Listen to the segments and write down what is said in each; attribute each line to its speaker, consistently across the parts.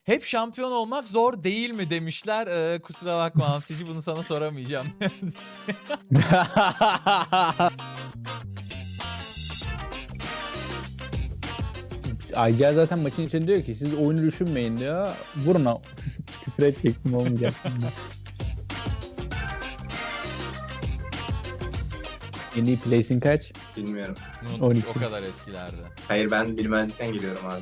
Speaker 1: Hep şampiyon olmak zor değil mi demişler. Kusura bakma Hamsici, bunu sana soramayacağım.
Speaker 2: Ayca zaten maçın içinde diyor ki siz oyunu düşünmeyin diyor. Vurun o. Küfür edecektim olmayacak. En iyi placing kaç?
Speaker 3: Bilmiyorum.
Speaker 1: Unutmuş,
Speaker 2: 12.
Speaker 1: o kadar eskilerde.
Speaker 3: Hayır, ben bilmezlikten geliyorum abi.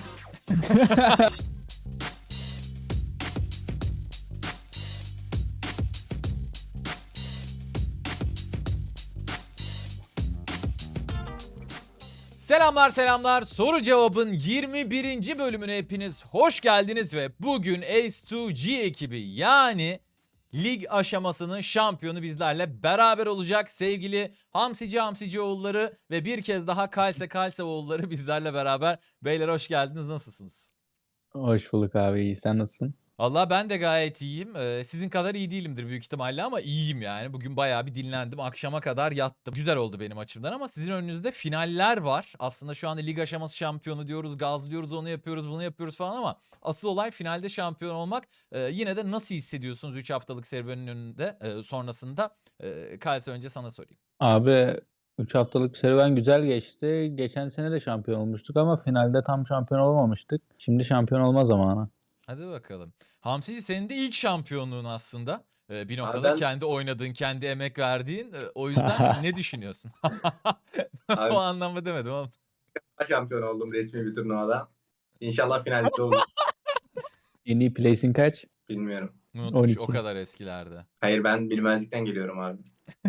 Speaker 1: Selamlar selamlar. Soru cevabın 21. bölümüne hepiniz hoş geldiniz ve bugün Ace2G ekibi yani lig aşamasının şampiyonu bizlerle beraber olacak. Sevgili Hamsici oğulları ve bir kez daha Kalse oğulları bizlerle beraber. Beyler hoş geldiniz. Nasılsınız?
Speaker 2: Hoş bulduk abi, iyi. Sen nasılsın?
Speaker 1: Valla ben de gayet iyiyim. Sizin kadar iyi değilimdir büyük ihtimalle ama iyiyim yani. Bugün bayağı bir dinlendim. Akşama kadar yattım. Güzel oldu benim açımdan ama sizin önünüzde finaller var. Aslında şu anda lig aşaması şampiyonu diyoruz, gazlıyoruz, onu yapıyoruz, bunu yapıyoruz falan ama asıl olay finalde şampiyon olmak. Yine de nasıl hissediyorsunuz 3 haftalık serüvenin önünde sonrasında? Kalse önce sana sorayım.
Speaker 2: Abi 3 haftalık serüven güzel geçti. Geçen sene de şampiyon olmuştuk ama finalde tam şampiyon olamamıştık. Şimdi şampiyon olma zamanı.
Speaker 1: Hadi bakalım. Hamsici, senin de ilk şampiyonluğun aslında. Bir
Speaker 3: Abi
Speaker 1: noktada
Speaker 3: ben
Speaker 1: kendi oynadığın, kendi emek verdiğin. O yüzden ne düşünüyorsun? O
Speaker 3: abi
Speaker 1: anlamda demedim ama.
Speaker 3: şampiyon oldum resmi bir turnuvada. İnşallah finalde olur.
Speaker 2: En iyi placing kaç?
Speaker 3: Bilmiyorum.
Speaker 1: Unutmuş, o
Speaker 2: 12.
Speaker 1: kadar eskilerde.
Speaker 3: Hayır, ben bilmezlikten geliyorum abi.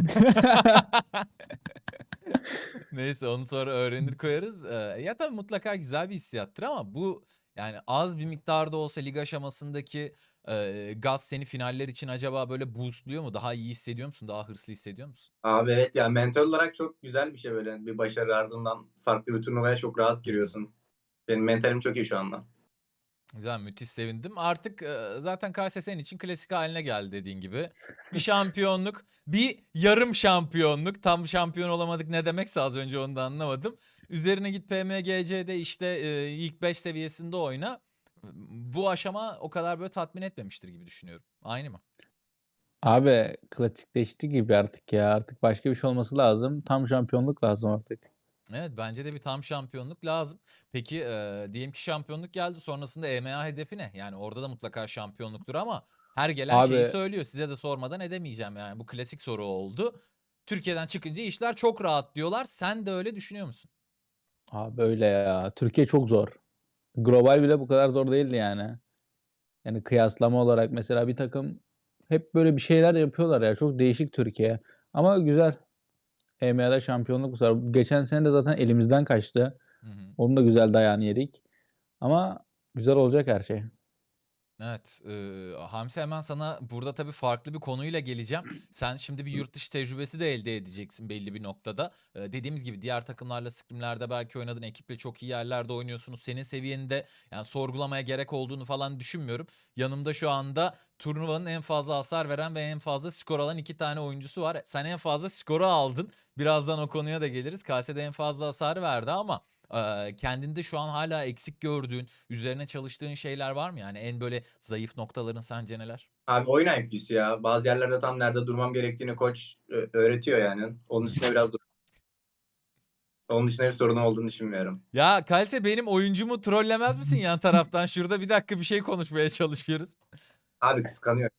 Speaker 1: Neyse, onu sonra öğrenir koyarız. Ya tabii mutlaka güzel bir hissiyattır ama bu yani az bir miktarda olsa lig aşamasındaki gaz seni finaller için acaba böyle boostluyor mu? Daha iyi hissediyor musun? Daha hırslı hissediyor musun?
Speaker 3: Abi evet ya, mental olarak çok güzel bir şey böyle. Bir başarı ardından farklı bir turnuvaya çok rahat giriyorsun. Benim mentalim çok iyi şu anda.
Speaker 1: Güzel, müthiş sevindim. Artık zaten KS senin için klasik haline geldi dediğin gibi. Bir şampiyonluk, bir yarım şampiyonluk. Tam şampiyon olamadık ne demekse az önce onu da anlamadım. Üzerine git PMGC'de işte ilk 5 seviyesinde oyna. Bu aşama o kadar böyle tatmin etmemiştir gibi düşünüyorum. Aynı mı?
Speaker 2: Abi klasikleşti gibi artık ya. Artık başka bir şey olması lazım. Tam şampiyonluk lazım artık.
Speaker 1: Evet, bence de bir tam şampiyonluk lazım. Peki diyelim ki şampiyonluk geldi, sonrasında EMEA hedefi ne? Yani orada da mutlaka şampiyonluktur ama her gelen şeyi
Speaker 2: Abi
Speaker 1: söylüyor. Size de sormadan edemeyeceğim yani. Bu klasik soru oldu. Türkiye'den çıkınca işler çok rahat diyorlar. Sen de öyle düşünüyor musun?
Speaker 2: abi öyle ya. Türkiye çok zor. Global bile bu kadar zor değildi yani. Yani kıyaslama olarak mesela bir takım hep böyle bir şeyler yapıyorlar ya. Çok değişik Türkiye. Ama güzel. EMEA'da şampiyonluk var. Geçen sene de zaten elimizden kaçtı.
Speaker 1: Hı hı.
Speaker 2: Onun da güzel dayağını yedik. Ama güzel olacak her şey.
Speaker 1: Evet, Hamsi, hemen sana burada tabii farklı bir konuyla geleceğim. Sen şimdi bir yurt dışı tecrübesi de elde edeceksin belli bir noktada. Dediğimiz gibi diğer takımlarla, scrimlerde belki oynadın, ekiple çok iyi yerlerde oynuyorsunuz. Senin seviyeninde yani sorgulamaya gerek olduğunu falan düşünmüyorum. Yanımda şu anda turnuvanın en fazla hasar veren ve en fazla skor alan 2 tane oyuncusu var. Sen en fazla skoru aldın. Birazdan o konuya da geliriz. KS'de en fazla hasar verdi ama kendinde şu an hala eksik gördüğün, üzerine çalıştığın şeyler var mı? Yani en böyle zayıf noktaların sence neler?
Speaker 3: Abi oyun IQ'su ya. Bazı yerlerde tam nerede durmam gerektiğini koç öğretiyor yani. Onun
Speaker 1: Hı hı.
Speaker 3: üstüne biraz onun dışında bir sorun olduğunu düşünmüyorum.
Speaker 1: Ya Kalse, benim oyuncumu trollemez misin yan taraftan? Şurada bir dakika bir şey konuşmaya çalışıyoruz.
Speaker 3: Abi kıskanıyor.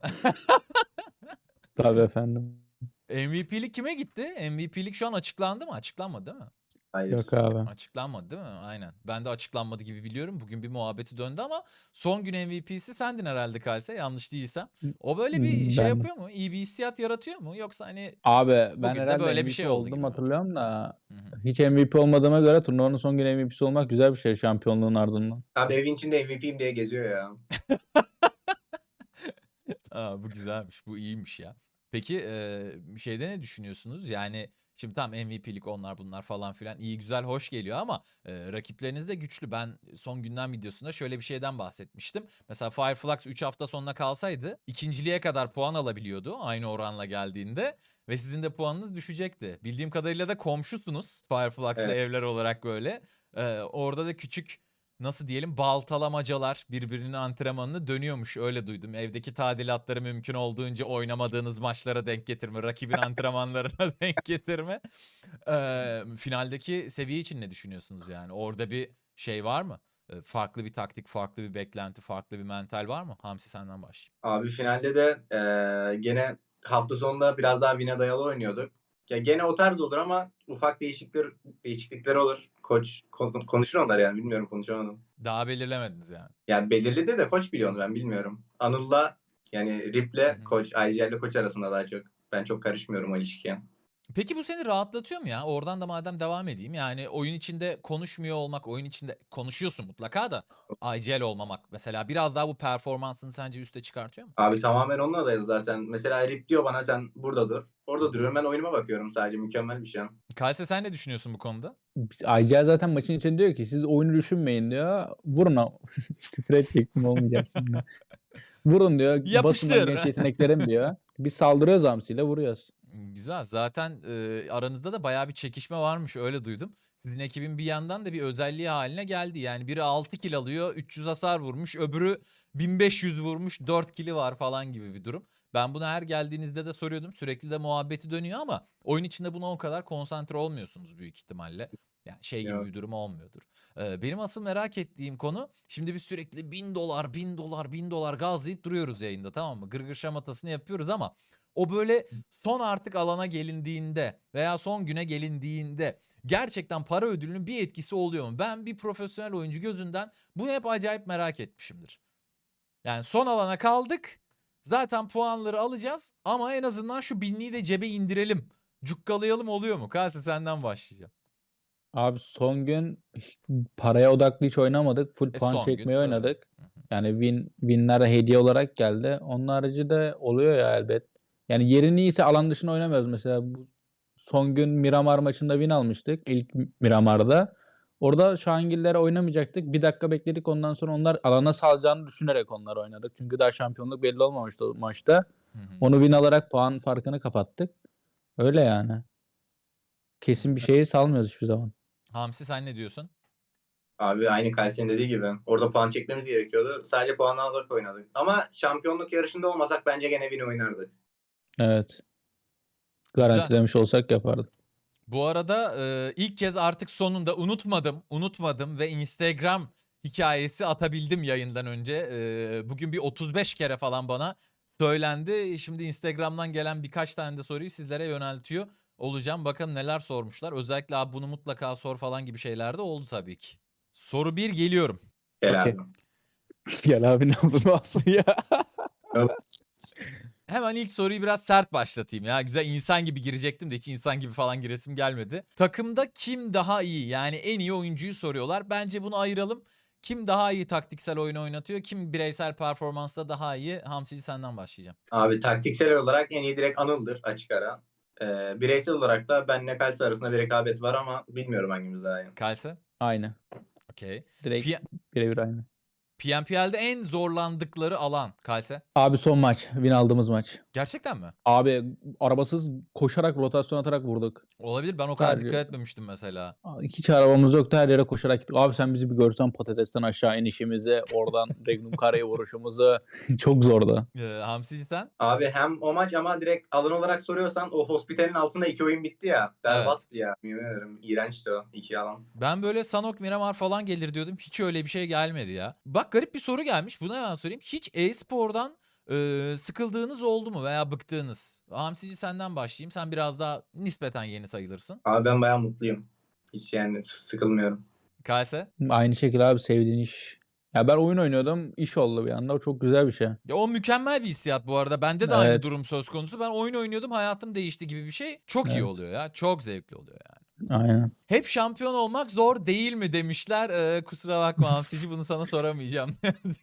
Speaker 2: Tabii efendim.
Speaker 1: MVP'lik kime gitti? MVP'lik şu an açıklandı mı? Açıklanmadı değil mi?
Speaker 2: Yok
Speaker 3: Hayır.
Speaker 2: abi.
Speaker 1: Açıklanmadı değil mi? Aynen. Ben de açıklanmadı gibi biliyorum. Bugün bir muhabbeti döndü ama son gün MVP'si sendin herhalde Kalse, yanlış değilsem. O böyle bir şey
Speaker 2: Ben
Speaker 1: yapıyor mu? İyi bir hissiyat yaratıyor mu? Yoksa hani
Speaker 2: abi ben
Speaker 1: bugün de
Speaker 2: herhalde
Speaker 1: böyle bir
Speaker 2: MVP
Speaker 1: şey oldu
Speaker 2: oldum
Speaker 1: gibi mi?
Speaker 2: hatırlıyorum da
Speaker 1: Hı hı.
Speaker 2: hiç MVP olmadığıma göre turnuvanın son günü MVP'si olmak güzel bir şey şampiyonluğun ardından.
Speaker 3: Abi evin içinde MVP'yim diye geziyor ya.
Speaker 1: A, bu güzelmiş, bu iyiymiş ya. Peki, şeyde ne düşünüyorsunuz? Yani, şimdi tamam, MVP'lik onlar bunlar falan filan iyi güzel hoş geliyor ama, rakipleriniz de güçlü. Ben son gündem videosunda şöyle bir şeyden bahsetmiştim. Mesela Fireflux 3 hafta sonuna kalsaydı ikinciliğe kadar puan alabiliyordu aynı oranla geldiğinde ve sizin de puanınız düşecekti. Bildiğim kadarıyla da komşusunuz Fireflux'la
Speaker 3: Evet.
Speaker 1: evler olarak böyle. Orada da küçük nasıl diyelim, baltalamacalar birbirinin antrenmanını dönüyormuş, öyle duydum. Evdeki tadilatları mümkün olduğunca oynamadığınız maçlara denk getirme, rakibin antrenmanlarına denk getirme. Finaldeki seviye için ne düşünüyorsunuz yani? Orada bir şey var mı? Farklı bir taktik, farklı bir beklenti, farklı bir mental var mı? Hamsi senden başlayayım.
Speaker 3: Abi finalde de gene hafta sonunda biraz daha win'e dayalı oynuyorduk. Ya gene o tarz olur ama ufak değişiklikler olur. Koç konuşur onlar yani, bilmiyorum, konuşamadım.
Speaker 1: Daha belirlemediniz yani.
Speaker 3: Yani belirli de koç biliyor onu, ben bilmiyorum. Anıl'la yani
Speaker 1: Hı
Speaker 3: Rip'le
Speaker 1: hı.
Speaker 3: koç, IGL'le koç arasında daha çok. Ben çok karışmıyorum o ilişkiye.
Speaker 1: Peki bu seni rahatlatıyor mu ya? Oradan da madem devam edeyim. Yani oyun içinde konuşmuyor olmak, oyun içinde konuşuyorsun mutlaka da IGL olmamak mesela biraz daha bu performansını sence üste çıkartıyor mu?
Speaker 3: Abi tamamen onunla dayalı zaten. Mesela Rip diyor bana sen burada dur. Orada duruyorum, ben oyunuma bakıyorum sadece. Mükemmel bir şey.
Speaker 1: Kayse sen ne düşünüyorsun bu konuda?
Speaker 2: IGL zaten maçın içinde diyor ki siz oyunu düşünmeyin diyor. Vurun küfür edecektim olmayacak şimdi. Vurun diyor. Basın lan
Speaker 1: Yapıştır.
Speaker 2: genç yeteneklerim diyor. Biz saldırıyoruz hamsiyle vuruyoruz.
Speaker 1: Güzel. Zaten aranızda da bayağı bir çekişme varmış, öyle duydum. Sizin ekibin bir yandan da bir özelliği haline geldi. Yani biri 6 kill alıyor, 300 hasar vurmuş, öbürü 1500 vurmuş, 4 kill'i var falan gibi bir durum. Ben bunu her geldiğinizde de soruyordum. Sürekli de muhabbeti dönüyor ama oyun içinde buna o kadar konsantre olmuyorsunuz büyük ihtimalle. Yani şey gibi
Speaker 3: Yok.
Speaker 1: bir durum olmuyordur. Benim asıl merak ettiğim konu, şimdi biz sürekli 1000 dolar, 1000 dolar, 1000 dolar gazlayıp duruyoruz yayında, tamam mı? Gırgır şamatasını yapıyoruz ama o böyle son artık alana gelindiğinde veya son güne gelindiğinde gerçekten para ödülünün bir etkisi oluyor mu? Ben bir profesyonel oyuncu gözünden bunu hep acayip merak etmişimdir. Yani son alana kaldık. Zaten puanları alacağız ama en azından şu binliği de cebe indirelim. Cukkalayalım oluyor mu? Kalse senden başlayacağım.
Speaker 2: Abi son gün paraya odaklı hiç oynamadık. Full puan
Speaker 1: Son gün
Speaker 2: çekmeyi
Speaker 1: tabii.
Speaker 2: oynadık. Yani winler hediye olarak geldi. Onun harici de oluyor ya elbet. Yani yerin iyiyse alan dışına oynamıyoruz. Mesela bu son gün Miramar maçında win almıştık. İlk Miramar'da. Orada Şahangillere oynamayacaktık. Bir dakika bekledik. Ondan sonra onlar alana salacağını düşünerek onlar oynadık. Çünkü daha şampiyonluk belli olmamıştı o maçta.
Speaker 1: Hı hı.
Speaker 2: Onu win alarak puan farkını kapattık. Öyle yani. Kesin bir şeyi salmıyoruz hiçbir zaman.
Speaker 1: Hamsi sen ne diyorsun?
Speaker 3: Abi aynı Kayseri'nin dediği gibi. Orada puan çekmemiz gerekiyordu. Sadece puan alarak oynadık. Ama şampiyonluk yarışında olmasak bence gene win oynardık.
Speaker 2: Evet.
Speaker 1: Güzel.
Speaker 2: Garantilemiş olsak yapardık.
Speaker 1: Bu arada ilk kez artık sonunda unutmadım ve Instagram hikayesi atabildim yayından önce. Bugün bir 35 kere falan bana söylendi. Şimdi Instagram'dan gelen birkaç tane de soruyu sizlere yöneltiyor olacağım. Bakalım neler sormuşlar. Özellikle abi bunu mutlaka sor falan gibi şeyler de oldu tabii ki. Soru 1 geliyorum.
Speaker 3: Gel
Speaker 2: Okey.
Speaker 3: abi.
Speaker 2: Gel abi ne oldu aslında ya.
Speaker 1: Hemen ilk soruyu biraz sert başlatayım ya. Güzel insan gibi girecektim de hiç insan gibi falan giresim gelmedi. Takımda kim daha iyi? Yani en iyi oyuncuyu soruyorlar. Bence bunu ayıralım. Kim daha iyi taktiksel oyun oynatıyor? Kim bireysel performansta daha iyi? Hamsici senden başlayacağım.
Speaker 3: Abi taktiksel olarak en iyi direkt Anıl'dır açık ara. Bireysel olarak da benle Kalsi arasında bir rekabet var ama bilmiyorum hangimiz daha iyi.
Speaker 1: Kayse?
Speaker 2: Aynı.
Speaker 1: Okey.
Speaker 2: Direkt birebir aynı.
Speaker 1: PNPL'de en zorlandıkları alan Kayse?
Speaker 2: Abi son maç. Win aldığımız maç.
Speaker 1: Gerçekten mi?
Speaker 2: Abi arabasız koşarak rotasyon atarak vurduk.
Speaker 1: Olabilir. Ben o kadar
Speaker 2: Sadece
Speaker 1: dikkat etmemiştim mesela.
Speaker 2: hiç arabamız yoktu. Her yere koşarak gittik. Abi sen bizi bir görsen patatesten aşağı inişimizi, oradan Regnum Kara'ya vuruşumuzu çok zordu.
Speaker 1: Hamsici sen?
Speaker 3: Abi hem o maç ama direkt alan olarak soruyorsan o Hospital'in altında 2 oyun bitti ya. Berbattı ya. Yemin ederim. İğrençti o 2 alan.
Speaker 1: Ben böyle Sanok Miramar falan gelir diyordum. Hiç öyle bir şey gelmedi ya. Bak garip bir soru gelmiş. Buna hemen sorayım. Hiç e-spordan sıkıldığınız oldu mu veya bıktığınız? Hamsici senden başlayayım. Sen biraz daha nispeten yeni sayılırsın.
Speaker 3: Abi ben bayağı mutluyum. Hiç yani sıkılmıyorum.
Speaker 1: Kayse?
Speaker 2: Aynı şekilde abi sevdiğin iş. Ya ben oyun oynuyordum. İş oldu bir anda. O çok güzel bir şey.
Speaker 1: Ya o mükemmel bir hissiyat bu arada. Bende de aynı
Speaker 2: Evet.
Speaker 1: durum söz konusu. Ben oyun oynuyordum, hayatım değişti gibi bir şey. Çok iyi
Speaker 2: Evet.
Speaker 1: oluyor ya. Çok zevkli oluyor yani.
Speaker 2: Aynen.
Speaker 1: Hep şampiyon olmak zor değil mi demişler. Kusura bakma Hamsici, bunu sana soramayacağım.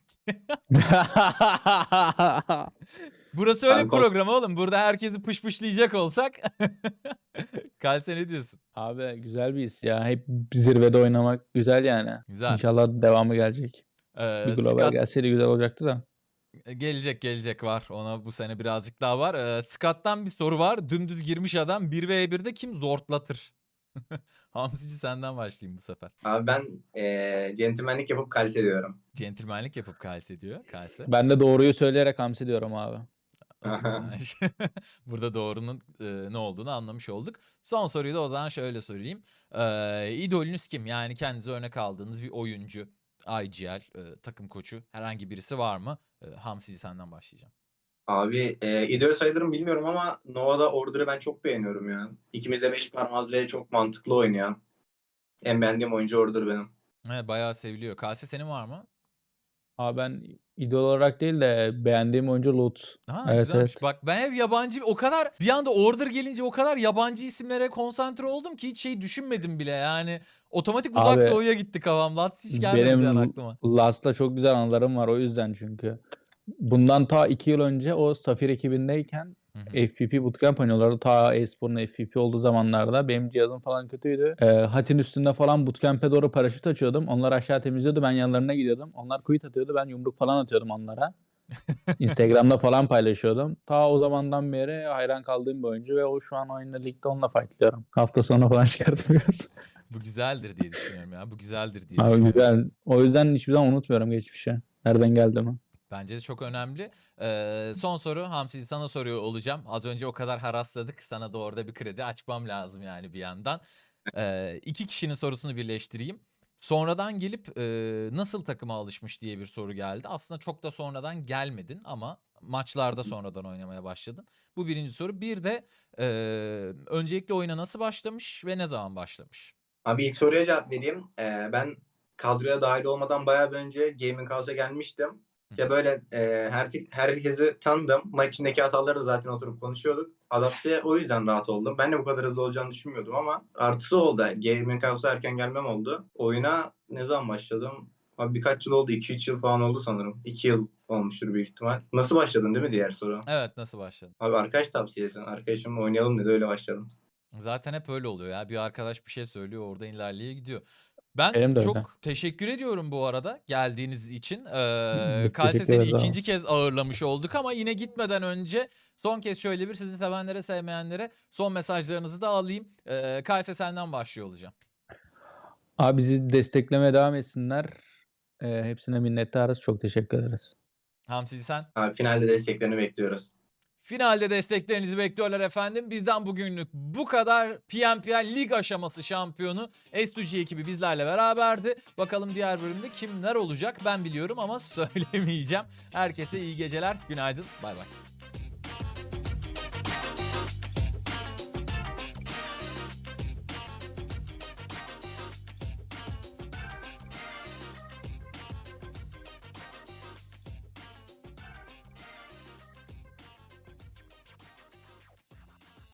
Speaker 1: Burası öyle bir
Speaker 3: Kanka,
Speaker 1: program oğlum. Burada herkesi pışpışlayacak olsak. Kalse ne diyorsun?
Speaker 2: Abi güzel bir his ya. Hep zirvede oynamak güzel yani.
Speaker 1: Güzel.
Speaker 2: İnşallah devamı gelecek. Bir global
Speaker 1: Scott
Speaker 2: gelseydi güzel olacaktı da.
Speaker 1: gelecek var. Ona bu sene birazcık daha var. Scott'tan bir soru var. Dümdüz girmiş adam. 1v1'de kim zortlatır? Hamsici senden başlayayım bu sefer.
Speaker 3: Abi ben centilmenlik yapıp Kalse diyorum.
Speaker 1: Centilmenlik yapıp Kalse diyor. Kalse.
Speaker 2: Ben de doğruyu söyleyerek Hamsi diyorum abi.
Speaker 1: O da güzelmiş. Burada doğrunun ne olduğunu anlamış olduk. Son soruyu da o zaman şöyle sorayım. İdolünüz kim? Yani kendinize örnek aldığınız bir oyuncu, IGL, takım koçu herhangi birisi var mı? Hamsici senden başlayacağım.
Speaker 3: Abi idol sayılırım bilmiyorum ama Nova'da Order'ı ben çok beğeniyorum ya. İkimiz de 5 parmağız ve çok mantıklı oynuyor. En beğendiğim oyuncu Order benim.
Speaker 1: Evet, bayağı seviliyor. Kalse senin var mı?
Speaker 2: Abi ben idol olarak değil de beğendiğim oyuncu Lutz.
Speaker 1: Ha,
Speaker 2: Evet,
Speaker 1: güzelmiş.
Speaker 2: evet.
Speaker 1: Bak ben hep yabancı, o kadar bir anda Order gelince o kadar yabancı isimlere konsantre oldum ki hiç şey düşünmedim bile. Yani otomatik Uzak
Speaker 2: Abi
Speaker 1: Doğu'ya gitti kafam. Lats hiç gelmedi bir an
Speaker 2: benim
Speaker 1: aklıma.
Speaker 2: Last'la çok güzel anılarım var o yüzden çünkü. Bundan ta 2 yıl önce o Safir ekibindeyken
Speaker 1: Hı hı.
Speaker 2: FPP Bootcamp oynuyorlardı. Ta e-sporun FPP olduğu zamanlarda benim cihazım falan kötüydü. Hatin üstünde falan bootcamp'e doğru paraşüt açıyordum. Onlar aşağı temizliyordu. Ben yanlarına gidiyordum. Onlar quit atıyordu. Ben yumruk falan atıyordum onlara. Instagram'da falan paylaşıyordum. Ta o zamandan beri hayran kaldığım bir oyuncu ve o şu an oyunda ligde onunla fightlıyorum. Hafta sonu falan çıkartmıyoruz.
Speaker 1: Bu güzeldir diye düşünüyorum ya. Bu güzeldir diye
Speaker 2: Abi
Speaker 1: düşünüyorum.
Speaker 2: güzel. O yüzden hiçbir zaman unutmuyorum geçmişi. Nereden geldi mi?
Speaker 1: Bence de çok önemli. Son soru Hamsi, sana soruyor olacağım. Az önce o kadar harasladık. Sana da orada bir kredi açmam lazım yani bir yandan. İki kişinin sorusunu birleştireyim. Sonradan gelip nasıl takıma alışmış diye bir soru geldi. Aslında çok da sonradan gelmedin ama maçlarda sonradan oynamaya başladın. Bu birinci soru. Bir de öncelikle oyuna nasıl başlamış ve ne zaman başlamış?
Speaker 3: Abi ilk soruya cevap vereyim. Ben kadroya dahil olmadan bayağı bir önce Gaming House'a gelmiştim. Ya böyle herkesi tanıdım. Maç içindeki hataları da zaten oturup konuşuyorduk. Adapte o yüzden rahat oldum. Ben de bu kadar hızlı olacağını düşünmüyordum ama artısı oldu. Gaming House'a erken gelmem oldu. Oyuna ne zaman başladım? Abi birkaç yıl oldu. 2-3 yıl falan oldu sanırım. 2 yıl olmuştur büyük ihtimal. Nasıl başladın değil mi diğer soru?
Speaker 1: Evet, nasıl başladın?
Speaker 3: Abi arkadaş tavsiyesi. Arkadaşımla oynayalım dedi öyle başladım.
Speaker 1: Zaten hep öyle oluyor ya. Bir arkadaş bir şey söylüyor, oradan ilerleye gidiyor. Ben
Speaker 2: Benim de öyle.
Speaker 1: çok teşekkür ediyorum bu arada geldiğiniz için.
Speaker 2: Biz
Speaker 1: Kalse
Speaker 2: teşekkür
Speaker 1: seni
Speaker 2: ederiz abi.
Speaker 1: ikinci kez ağırlamış olduk ama yine gitmeden önce son kez şöyle bir sizi sevenlere sevmeyenlere son mesajlarınızı da alayım. Kalse senden başlıyor olacağım.
Speaker 2: Abi bizi desteklemeye devam etsinler. Hepsine minnettarız. Çok teşekkür ederiz.
Speaker 1: Hamsi sen?
Speaker 3: Abi finalde desteklerini bekliyoruz.
Speaker 1: Finalde desteklerinizi bekliyorlar efendim. Bizden bugünlük bu kadar. PNPL lig aşaması şampiyonu S2G ekibi bizlerle beraberdi. Bakalım diğer bölümde kimler olacak ben biliyorum ama söylemeyeceğim. Herkese iyi geceler, günaydın, bay bay.